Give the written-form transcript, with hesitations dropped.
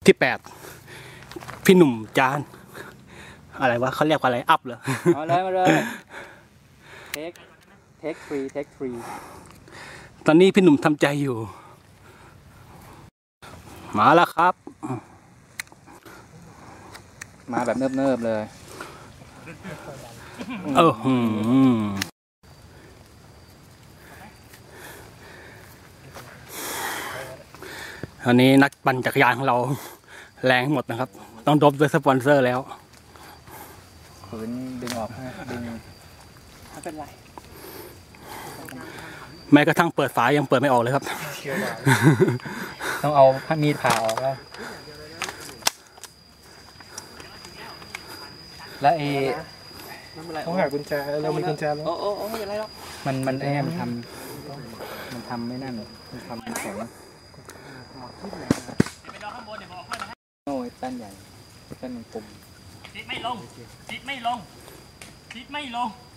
ที่พี่หนุ่มจานอะไรวะเขาเรียกว่าอะไรอัพเหรอเอาเลยมาเลยเทคฟรีตอนนี้พี่หนุ่มทำใจอยู่มาแล้วครับมาแบบเนิบๆเลยอันนี้นักปั่นจักรยานของเราแรงหมดนะครับต้องดรอปด้วยสปอนเซอร์แล้วฝืนดึงออกดึงไม่เป็นไรแม้กระทั่งเปิดฝายังเปิดไม่ออกเลยครับต้องเอามีดผ่าออกแล้วต้องหากุญแจเรามีกุญแจแล้วโอ้ไม่เป็นไรหรอกมันไอ้มันทำไม่นั่นมันทำแข็งโอ้ยแป้นใหญ่แป้นมันปุ่มติดไม่ลง